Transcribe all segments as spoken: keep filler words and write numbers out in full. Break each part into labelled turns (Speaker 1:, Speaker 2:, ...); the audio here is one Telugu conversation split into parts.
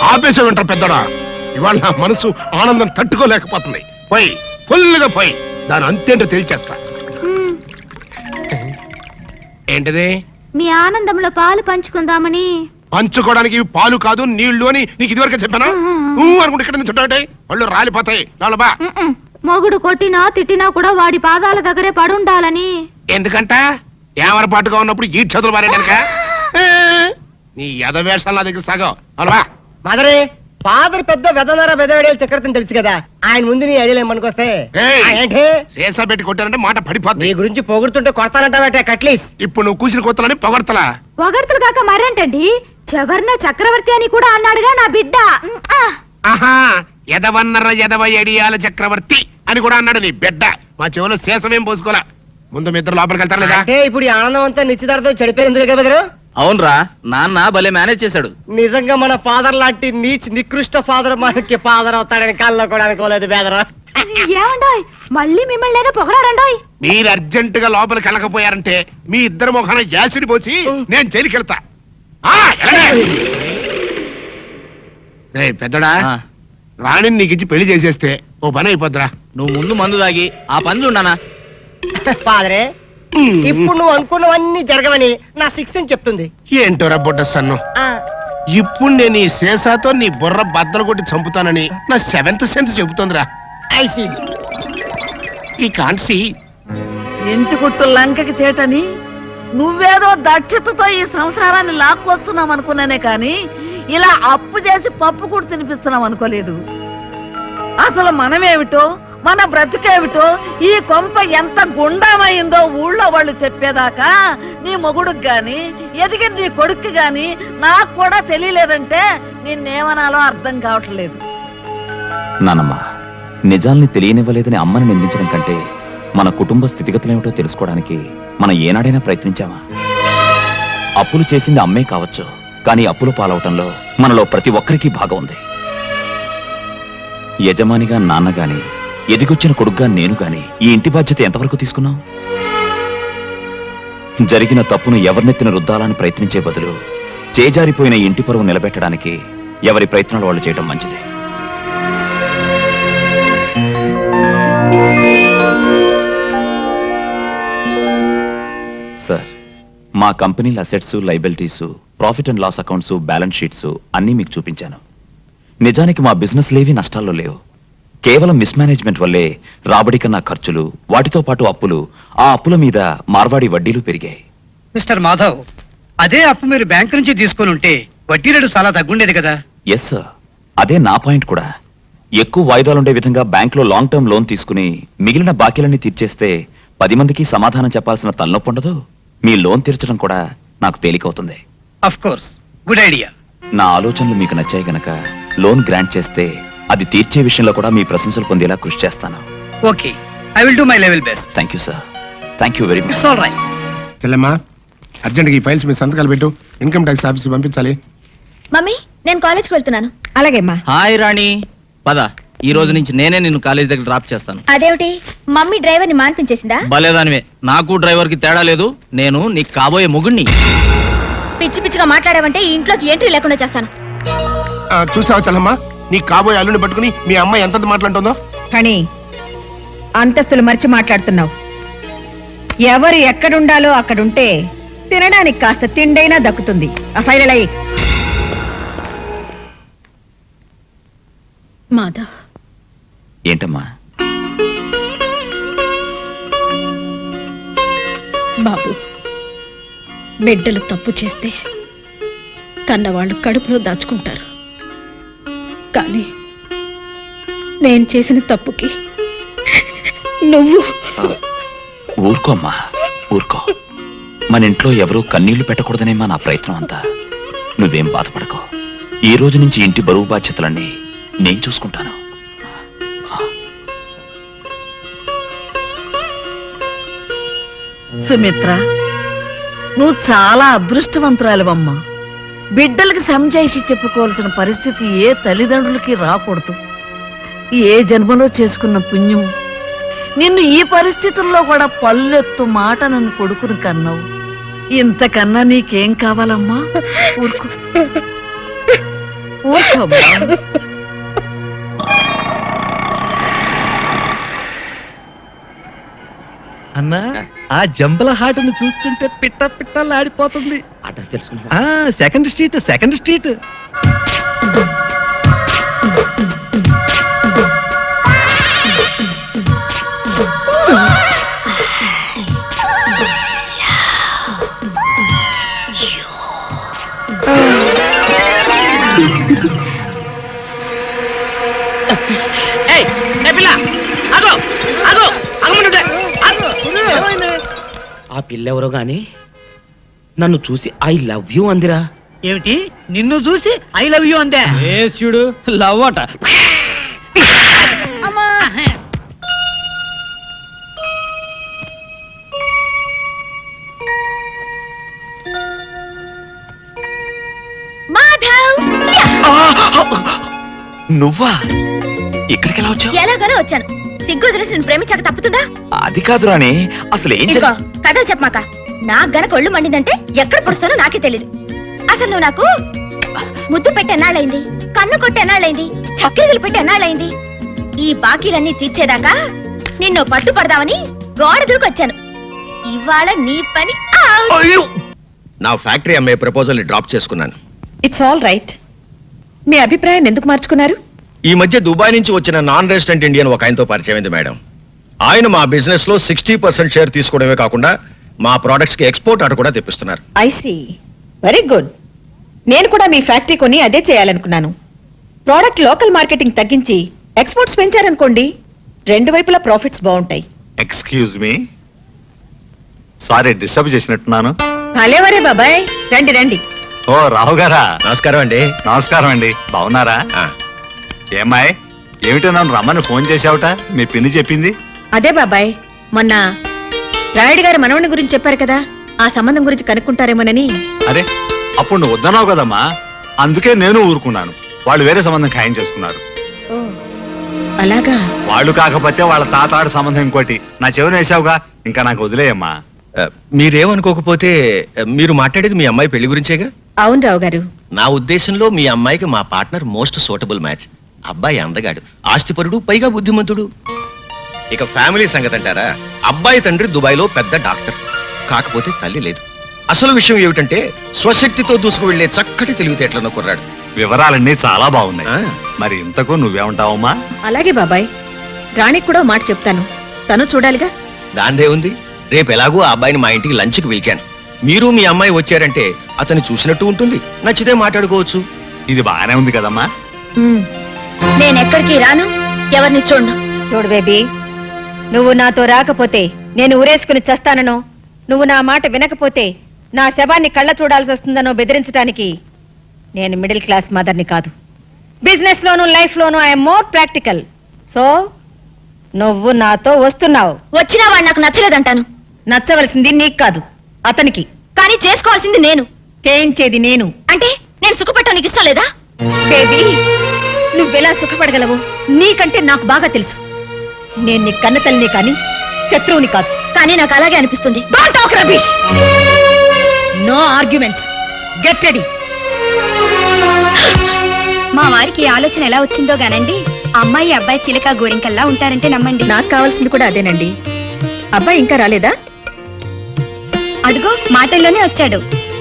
Speaker 1: ఆపేసే వింటారు పెద్దడా. ఇవాళ నా మనసు ఆనందం తట్టుకోలేకపోతుంది. పోయి ఫుల్గా పోయి దాని అంతేంటో తెలిచేస్తా. ఏంటిది?
Speaker 2: మీ ఆనందంలో పాలు పంచుకుందామని.
Speaker 1: పంచుకోవడానికి ఇవి పాలు కాదు నీళ్లు అని నీకు ఇదివరకే చెప్పానా? నువ్వు అనుకుంటే ఇక్కడ నుంచి చుట్టాడే వాళ్ళు రాలిపోతాయి. బా
Speaker 2: మొగుడు కొట్టినా తిట్టినా కూడా వాడి పాదాల దగ్గరే పడుండాలని.
Speaker 1: ఎందుకంట ఏమరపాటుగా ఉన్నప్పుడు ఈ చదువులు మారేడానిక? నీ యథవేషాలు నా దగ్గర సాగం. అలా
Speaker 3: మదరే ఫాదర్ పెద్ద వెదనర వెదవేడే చక్రవర్తిని తెలుసు కదా, ఆయన ముందు నీ ఐడియా ఏమనుకొస్తే ఏంటి
Speaker 1: శేషా పెట్టి కొట్టానంటే మాట పడిపోతుంది.
Speaker 3: నీ గురించి పొగుడుతుంటే కొడతానంటావటే కట్లీస్.
Speaker 1: ఇప్పుడు నువ్వు కూర్చుని కొత్తలని పొగడతలా?
Speaker 2: పొగడతలు కాక మరేంటండి, చివర్న చక్రవర్తి అని కూడా అన్నాడుగా నా బిడ్డ.
Speaker 1: ఆహా, ఎదవన్నర ఎదవ ఎడియాల చక్రవర్తి అని కూడా అన్నాడు నీ బిడ్డ. మా చెవులో శేషమేం పోసుకోలే. ముందు మీ ఇద్దరు లోపలికి వెళ్తారు లేదా?
Speaker 3: అంటే ఇప్పుడు ఈ ఆనందం అంతా నిశ్చితార్థం చెడిపోయింది కదా బెదరు.
Speaker 4: అవునరా, నాన్న భలే మేనేజ్ చేశాడు.
Speaker 3: నిజంగా మన ఫాదర్ లాంటి నీచ్ నికృష్ట ఫాదర్ మనకి ఫాదర్ అవుతాడని కాల్లో కూడా అనుకోలేదు బెదరు.
Speaker 2: ఏమండోయ్ మళ్ళీ మిమ్మల్ని ఏదో పొగడారండోయ్.
Speaker 1: మీరు అర్జెంట్ గా లోపలికి వెళ్ళకపోయారంటే మీ ఇద్దరు ముఖాన యాసిడ్ పోసి నేను జైలుకి వెళ్తా. పెద్దడా, రాణిని నీకు ఇచ్చి పెళ్లి చేసేస్తే ఓ పని అయిపోద్దిరా.
Speaker 4: నువ్వు ముందు మందు తాగి ఆ పని చూడనా.
Speaker 3: ఫాదరే, ఇప్పుడు నువ్వు అనుకున్నవన్నీ జరగవని నా సిక్స్ అని చెప్తుంది.
Speaker 1: ఏంటోరా బుడ్డ సన్ను, ఇప్పుడు నేను ఈ శేషాతో నీ బుర్ర బద్దలు కొట్టి చంపుతానని నా సెవెంత్ సెన్స్ చెబుతుందిరా.
Speaker 3: ఐ సీ
Speaker 1: ఈ కాన్సీ
Speaker 5: ఇంటి గుట్టు లంకకి చేటని నువ్వేదో దక్షతతో ఈ సంసారాన్ని లాక్కొస్తున్నావు అనుకున్నానే కాని ఇలా అప్పు చేసి పప్పు కూడా తినిపిస్తున్నావు అనుకోలేదు. అసలు మనమేమిటో మన బ్రతుకేమిటో ఈ కొంప ఎంత గుండామైందో ఊళ్ళో వాళ్ళు చెప్పేదాకా నీ మొగుడుకి గాని ఎదిగిన నీ కొడుక్కి గాని నాకు కూడా తెలియలేదంటే నిన్నేమనాలో అర్థం కావట్లేదు.
Speaker 6: నానమ్మ, నిజాల్ని తెలియనివ్వలేదని అమ్మని నిందించడం కంటే మన కుటుంబ స్థితిగతులేమిటో తెలుసుకోవడానికి మనం ఏనాడైనా ప్రయత్నించామా? అప్పులు చేసింది అమ్మే కావచ్చు, కానీ అప్పులు పాలవటంలో మనలో ప్రతి ఒక్కరికి భాగం ఉంది. యజమానిగా నాన్న గాని ఎదిగొచ్చిన కొడుగ్గా నేను గాని ఈ ఇంటి బాధ్యత ఎంతవరకు తీసుకున్నాం? జరిగిన తప్పును ఎవరినెత్తిన రుద్దాలని ప్రయత్నించే బదులు చేజారిపోయిన ఇంటి పరువు నిలబెట్టడానికి ఎవరి ప్రయత్నాలు వాళ్ళు చేయటం మంచిది. సార్, మా కంపెనీల assets, liabilities, profit and loss accounts, balance sheets అన్నీ మీకు చూపించాను. నిజానికి మా బిజినెస్ లేవి నష్టాల్లో లేవు. కేవలం మిస్మేనేజ్మెంట్ వల్లే రాబడి కన్నా ఖర్చులు, వాటితో పాటు అప్పులు, ఆ అప్పుల మీద మార్వాడి వడ్డీలు పెరిగాయి.
Speaker 7: మిస్టర్ మాధవ్, అదే అప్పు మీరు బ్యాంకు నుంచి తీసుకుని ఉంటే వడ్డీ రేటు చాలా తగ్గుండేది కదా.
Speaker 6: ఎస్ సార్, అదే నా పాయింట్ కూడా. ఎక్కువ వాయిదాలుండే విధంగా బ్యాంకులో లాంగ్ టర్మ్ లోన్ తీసుకుని మిగిలిన బాకీలన్నీ తీర్చేస్తే పది మందికి సమాధానం చెప్పాల్సిన తలనొప్పి ఉండదు. మీ లోన్ తీర్చడం కూడా నాకు తేలికవుతుంది.
Speaker 7: Of course, good idea.
Speaker 6: నా ఆలోచనలు మీకు నచ్చాయి గనక లోన్ గ్రాంట్ చేస్తే అది తీర్చే విషయంలో కూడా మీ ప్రశంసలు పొందేలా కృషి చేస్తాను.
Speaker 7: Okay, I will do my level best.
Speaker 6: Thank you sir, thank you very much.
Speaker 7: It's all right.
Speaker 1: చెల్లెమ్మా, అర్జెంట్గా ఈ ఫైల్స్ మీ సంతకాలు పెట్టు, ఇన్కమ్ ట్యాక్స్ ఆఫీస్కి పంపించాలి.
Speaker 2: మమ్మీ, నేను కాలేజ్కి వెళ్తున్నాను.
Speaker 5: అలాగేమ్మా.
Speaker 4: హాయ్ రాణి, పద. ఈ రోజు నుంచి నేనే నిన్ను కాలేజీ దగ్గర డ్రాప్ చేస్తాను.
Speaker 2: అదేమిటి, మమ్మీ డ్రైవర్ని మాన్పించేసిందా?
Speaker 4: భలేదానివే, నాకు డ్రైవర్ కి తేడా లేదు. నేను నీకు కాబోయే మొగుణ్ణి.
Speaker 2: పిచ్చి పిచ్చిగా మాట్లాడావంటే ఈ ఇంట్లోకి ఎంట్రీ లేకుండా చేస్తాను.
Speaker 1: చూసావా చెల్లమ్మా, నీ కాబోయే అల్లుని పట్టుకుని మీ అమ్మ ఎంత మాట్లాడుతుందో.
Speaker 5: కానీ అంతస్తులు మర్చి మాట్లాడుతున్నావు. ఎవరు ఎక్కడుండాలో అక్కడుంటే తినడానికి కాస్త తిండైనా దక్కుతుంది. ఆ ఫైల్ అయ్యి.
Speaker 2: మాధవ్,
Speaker 6: ఏంటమ్మా?
Speaker 2: బాబు, బిడ్డలు తప్పు చేస్తే కన్నవాళ్ళు కడుపులో దాచుకుంటారు. కానీ నేను చేసిన తప్పుకి నువ్వు
Speaker 6: ఊరుకోమ్మా, ఊరుకో. మన ఇంట్లో ఎవరూ కన్నీళ్లు పెట్టకూడదనేమా నా ప్రయత్నం అంతా. నువ్వేం బాధపడకో. ఈ రోజు నుంచి ఇంటి బరువు బాధ్యతలన్నీ నేను చూసుకుంటాను.
Speaker 5: సుమిత్ర, నువ్వు చాలా అదృష్టవంతురాలివమ్మా. బిడ్డలకి సంజాయిషి చెప్పుకోవాల్సిన పరిస్థితి ఏ తల్లిదండ్రులకి రాకూడదు. ఏ జన్మలో చేసుకున్న పుణ్యం నిన్ను ఈ పరిస్థితుల్లో కూడా పల్లెత్తు మాట నన్ను కొడుకుని కన్నావు. ఇంతకన్నా నీకేం కావాలమ్మా? ఊరుకో. ఊరుకోమ్మా.
Speaker 8: అన్నా ఆ జంబల హాటును చూస్తుంటే పిట్ట పిట్టలాడిపోతుంది.
Speaker 4: అడ్రస్ తెలుసుకున్నా
Speaker 8: ఆ సెకండ్ స్ట్రీట్ సెకండ్ స్ట్రీట్.
Speaker 4: ఆ పిల్లెవరో గాని నన్ను చూసి ఐ లవ్ యూ అందిరా.
Speaker 7: ఏమిటి నిన్ను చూసి ఐ లవ్ యూ అందే?
Speaker 4: చూడు లవ్ అట.
Speaker 2: మాధవ్
Speaker 6: నువ్వా ఇక్కడికి ఎలా వచ్చావు?
Speaker 2: ఎలాగోలా వచ్చాను. సిగ్గు వదిలేసి నేను ప్రేమించాక తప్పుతుందా?
Speaker 6: అది కాదు రాణి, అసలు ఏం
Speaker 2: ఇదిగో
Speaker 6: జరిగి-
Speaker 2: కథలు చెప్పమాక. నాకు గనక ఒళ్ళు మండిందంటే ఎక్కడ పుడుస్తానో నాకే తెలీదు. అసలు నువ్వు నాకు ముద్దు పెట్టి ఎన్నాళ్ళైంది, కన్ను కొట్టి ఎన్నాళ్ళైంది, చక్కెరలు పెట్టి ఎన్నాళ్ళైంది. ఈ బాకీలన్నీ తీర్చేదాకా నిన్ను పట్టుపడదామని గోడ దూకొచ్చాను. ఇవాళ నీ పని out.
Speaker 9: అయ్యో! నా ఫ్యాక్టరీ అమ్మే ప్రపోజల్ డ్రాప్ చేసుకున్నాను.
Speaker 10: It's all right. మీ అభిప్రాయం ఎందుకు మార్చుకున్నారు?
Speaker 9: ఈ మధ్య దుబాయ్ నుంచి వచ్చిన నాన్ రెసిడెంట్ ఇండియన్ ఒక ఆయనతో పరిచయమైంది మేడం. ఆయన మా బిజినెస్ లో సిక్స్టీ పర్సెంట్ షేర్ తీసుకోవడమే కాకుండా మా ప్రొడక్ట్స్ కి ఎక్స్పోర్ట్ ఆర్డర్ కూడా తెప్పిస్తున్నారు.
Speaker 10: I see. Very good. నేను కూడా మీ ఫ్యాక్టరీ కొని అదే చేయాలనుకున్నాను. ప్రోడక్ట్ లోకల్ మార్కెటింగ్ తగ్గించి ఎక్స్పోర్ట్స్ పెంచారనుకోండి, రెండు వైపులా ప్రాఫిట్స్ బాగుంటాయి.
Speaker 11: ఎక్స్క్యూజ్ మీ, సారీ డిస్టర్బ్ చేసినట్టున్నాను.
Speaker 10: భలేవరే బాబాయ్, రండి రండి.
Speaker 11: ఓ రావు గారా,
Speaker 9: నమస్కారం అండి.
Speaker 11: నమస్కారం అండి. బాగున్నారా?
Speaker 9: ఆ,
Speaker 11: ఏమాయ్, ఏమిటో నన్ను రమ్మని ఫోన్ చేశావుట? మీ పిన్ని చెప్పింది.
Speaker 10: అదే బాబాయ్, మొన్న రాయుడు గారి మనవని గురించి చెప్పారు కదా, ఆ సంబంధం గురించి కనుక్కుంటారేమోనని.
Speaker 11: అరే, అప్పుడు నువ్వు వద్దన్నావు కదమ్మా, అందుకే నేను ఊరుకున్నాను. వాళ్ళు వేరే సంబంధం ఖాయం చేసుకున్నారు.
Speaker 10: ఓ, అలాగా?
Speaker 11: వాళ్ళు కాకపోతే వాళ్ళ తాతాడు సంబంధం ఇంకోటి నా చెవిని వేసావుగా, ఇంకా నాకు వదిలేయమ్మా.
Speaker 9: ఆ, మీరేమనుకోకపోతే ఆ, మీరు మాట్లాడేది మీ అమ్మాయి పెళ్లి గురించేగా?
Speaker 10: అవును రావు గారు.
Speaker 9: నా ఉద్దేశంలో మీ అమ్మాయికి మా పార్ట్నర్ మోస్ట్ సూటబుల్ మ్యాచ్. అబ్బాయి అందగాడు, ఆస్తిపరుడు, పైగా బుద్ధిమంతుడు. ఇక ఫ్యామిలీ సంగతి అంటారా, అబ్బాయి తండ్రి దుబాయ్లో పెద్ద డాక్టర్, కాకపోతే తల్లి లేదు. అసలు విషయం ఏమిటంటే స్వశక్తితో దూసుకు వెళ్లే చక్కటి తెలివితేటలను కుర్రాడు.
Speaker 11: వివరాలన్నీ చాలా బాగున్నాయి.
Speaker 9: ఆ.
Speaker 11: మరి ఇంతకు నువ్వేమంటావమ్మా?
Speaker 10: అలాగే బాబాయ్, రాణికి కూడా ఓ మాట చెప్తాను, తను చూడాలిగా.
Speaker 9: దాందే ఉంది. రేపు ఎలాగో ఆ అబ్బాయిని మా ఇంటికి లంచ్కి పిలిచాను. మీరు మీ అమ్మాయి వచ్చారంటే అతన్ని చూసినట్టు ఉంటుంది, నచ్చితే మాట్లాడుకోవచ్చు.
Speaker 11: ఇది బాగానే ఉంది కదమ్మా.
Speaker 10: ఉమ్.
Speaker 2: నేనెక్కడికి రాను, ఎవరిని చూడను.
Speaker 10: చూడు బేబీ, నువ్వు నాతో రాకపోతే నేను ఊరేసుకుని చస్తాననో, నువ్వు నా మాట వినకపోతే నా శవాన్ని కళ్ళ చూడాల్సి వస్తుందనో బెదిరించడానికి నేను మిడిల్ క్లాస్ మదర్ని కాదు. బిజినెస్ లోను లైఫ్ లోను ఐఎమ్ మోర్ ప్రాక్టికల్. సో నువ్వు నాతో వస్తున్నావు.
Speaker 2: వచ్చినా వాడు నాకు నచ్చలేదంటాను.
Speaker 10: నచ్చవలసింది నీకు కాదు, అతనికి.
Speaker 2: కానీ చేసుకోవాల్సింది నేను.
Speaker 10: చేయించేది నేను.
Speaker 2: అంటే నేను సుఖపెట్టడం నీకు ఇష్టం లేదా?
Speaker 10: బేబీ, నువ్వెలా సుఖపడగలవు నీకంటే నాకు బాగా తెలుసు. నేను నీ కన్న తల్లిని కానీ శత్రువుని కాదు.
Speaker 2: కానీ నాకు అలాగే అనిపిస్తుంది.
Speaker 10: Don't talk rubbish. No arguments. Get ready.
Speaker 2: మా వారికి ఈ ఆలోచన ఎలా వచ్చిందో గానండి, అమ్మాయి అబ్బాయి చిలక గోరింకల్లా ఉంటారంటే నమ్మండి.
Speaker 10: నాకు కావాల్సింది కూడా అదేనండి. అబ్బాయి ఇంకా రాలేదా?
Speaker 2: అడుగు, మాటల్లోనే వచ్చాడు.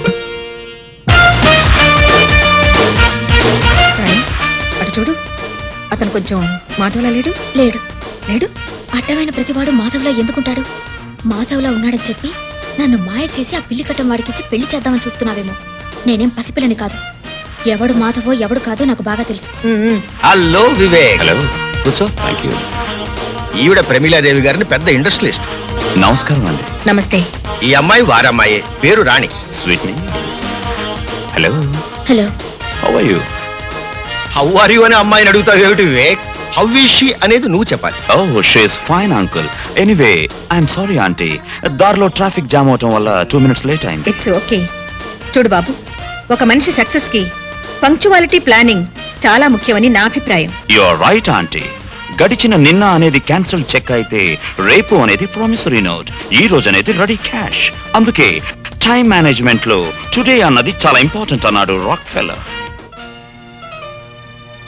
Speaker 10: రాణి, అటు చూడు, అతను కొంచెం మాధవలా లేడు.
Speaker 2: లేడు.
Speaker 10: లేడు?
Speaker 2: అడ్డమైన ప్రతివాడు మాధవ్లా ఎందుకుంటాడు? మాధవ్లా ఉన్నాడని చెప్పి నన్ను మాయ చేసి ఆ పిల్లి కట్టం వాడికిచ్చి పెళ్లి చేద్దామని చూస్తున్నావేమో. నేనేం పసిపిల్లని కాదు. ఎవడు మాధవో ఎవడు కాదో నాకు బాగా తెలుసు.
Speaker 9: హలో వివేక్.
Speaker 6: హలో, కూర్చో. Thank you.
Speaker 9: ఈవిడ ప్రమీలాదేవి గారిని పెద్ద ఇండస్ట్రియలిస్ట్.
Speaker 6: నమస్కారం అండి.
Speaker 10: నమస్తే.
Speaker 9: ఈ అమ్మాయి వారమ్మాయే, పేరు Rani.
Speaker 6: Sweet me. Hello,
Speaker 2: hello.
Speaker 6: How are you?
Speaker 9: How are you అని అమ్మాయిని అడుగుతావు ఏమిటి వివేక్? హౌ ఈజ్ షీ అనేది నువ్వు చెప్పాలి.
Speaker 6: Oh, she is fine uncle. Anyway, I'm sorry aunty, దారిలో ట్రాఫిక్ జామ్ అవటం వల్ల టూ మినిట్స్ లేట్ అయింది.
Speaker 10: It's okay. చూడు బాబు, ఒక మనిషి సక్సెస్ కి పంక్చువాలిటీ, ప్లానింగ్ చాలా ముఖ్యమని నా అభిప్రాయం.
Speaker 6: You are right aunty. గడిచిన నిన్న అనేది క్యాన్సిల్ చెక్ అయితే రేపు అనేది ప్రామిసరీ నోట్, ఈ రోజు అనేది రెడీ క్యాష్. అందుకే టైం మేనేజ్మెంట్ లో టుడే అన్నది చాలా ఇంపార్టెంట్ అన్నాడు రాక్ ఫెల్లర్.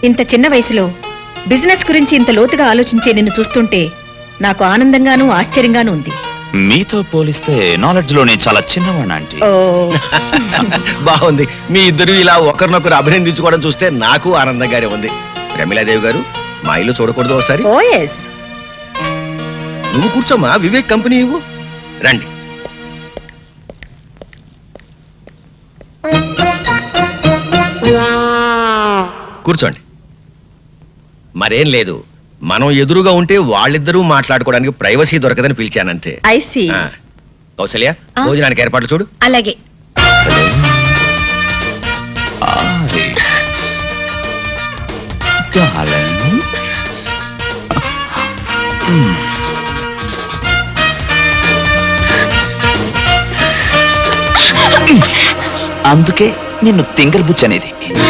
Speaker 10: ఇంత చిన్న వయసులో బిజినెస్ గురించి ఇంత లోతుగా ఆలోచించే నిన్ను చూస్తుంటే నాకు ఆనందంగానూ ఆశ్చర్యంగానూ ఉంది.
Speaker 6: మీతో పోలిస్తే నాలెడ్జ్ లో నేను చాలా చిన్నవాడిని ఆంటీ.
Speaker 10: ఓ
Speaker 9: బాగుంది. మీ ఇద్దరు ఇలా ఒకరినొకరు అభినందించుకోవడం చూస్తే నాకు ఆనందంగానే ఉంది. ప్రమిళాదేవి గారు, మా ఇల్లు చూడకూడదు ఒకసారి?
Speaker 10: Oh yes.
Speaker 9: నువ్వు కూర్చోమ్మా, వివేక్ కంపెనీ ఇవ్వు. రండి. కూర్చోండి. మరేం లేదు, మనం ఎదురుగా ఉంటే వాళ్ళిద్దరూ మాట్లాడుకోవడానికి ప్రైవసీ దొరకదని పిలిచానంతే.
Speaker 10: I see.
Speaker 9: ఆ, కౌసల్య,
Speaker 2: ఆ?
Speaker 9: భోజనానికి ఏర్పాట్లు చూడు.
Speaker 2: అలాగే.
Speaker 6: Hi. Darling. Hmm. అందుకే నిన్ను తింగర్ బుచ్ అనేది.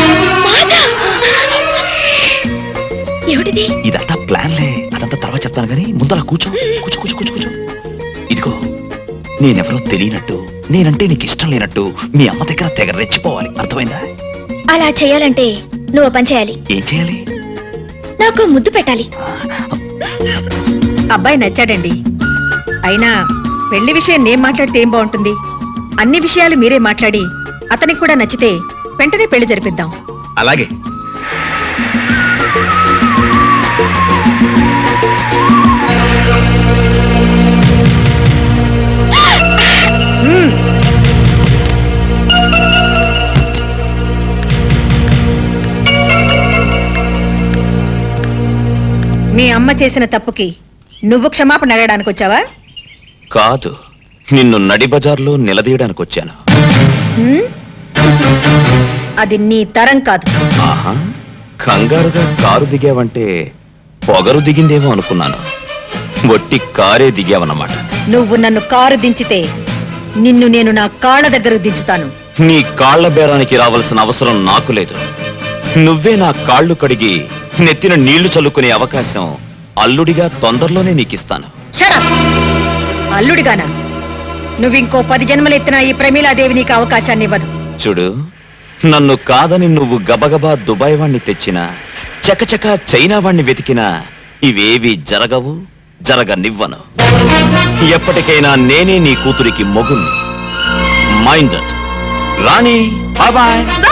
Speaker 2: ఏమిటిది?
Speaker 6: ఇదంతా ప్లాన్లే, అదంతా తర్వాత చెప్తాను కానీ ముందర కూర్చో కూర్చో కూర్చో కూర్చో కూర్చో. ఇదిగో, నేనెవరో తెలియనట్టు, నేనంటే నీకు ఇష్టం లేనట్టు మీ అమ్మ దగ్గర తెగ రెచ్చిపోవాలి, అర్థమైందా?
Speaker 2: అలా చేయాలంటే నువ్వు ఓ పని చేయాలి.
Speaker 6: ఏం చేయాలి?
Speaker 2: నాకు ముద్దు పెట్టాలి.
Speaker 10: అబ్బాయి నచ్చాడండి. అయినా పెళ్లి విషయం నేను మాట్లాడితే ఏం బాగుంటుంది? అన్ని విషయాలు మీరే మాట్లాడి అతనికి కూడా నచ్చితే వెంటనే పెళ్లి జరిపిద్దాం.
Speaker 9: అలాగే.
Speaker 10: మీ అమ్మ చేసిన తప్పుకి నువ్వు క్షమాపణ అడగడానికి వచ్చావా?
Speaker 6: కాదు, నిన్ను నడి బజార్లో నిలదీయడానికి వచ్చాను.
Speaker 10: హ్మ్? అది నీ తరం కాదు.
Speaker 6: ఆహా, కంగారుగా కారు దిగావంటే పొగరు దిగిందేమో అనుకున్నాను. ఒట్టి కారే దిగావన్నమాట.
Speaker 10: నువ్వు నన్ను కారు దించితే నిన్ను నేను నా కాళ్ళ దగ్గర దించుతాను.
Speaker 6: నీ కాళ్ల బేరానికి రావాల్సిన అవసరం నాకు లేదు. నువ్వే నా కాళ్ళు కడిగి నెత్తిన నీళ్లు చల్లుకునే అవకాశం అల్లుడిగా తొందరలోనే నీకిస్తాను.
Speaker 10: Shut up! అల్లుడిగానా? నువ్వింకో పది జన్మలెత్తినా ఈ ప్రమీలాదేవి నీకు అవకాశాన్ని ఇవ్వదు.
Speaker 6: చూడు, నన్ను కాదని నువ్వు గబగబా దుబాయ్ వాణ్ణి తెచ్చినా, చకచక చైనా వాణ్ణి వెతికినా ఇవేవి జరగవు, జరగనివ్వను. ఎప్పటికైనా నేనే నీ కూతురికి మొగుణ్ణి. మైండ్ రాణి. Bye bye.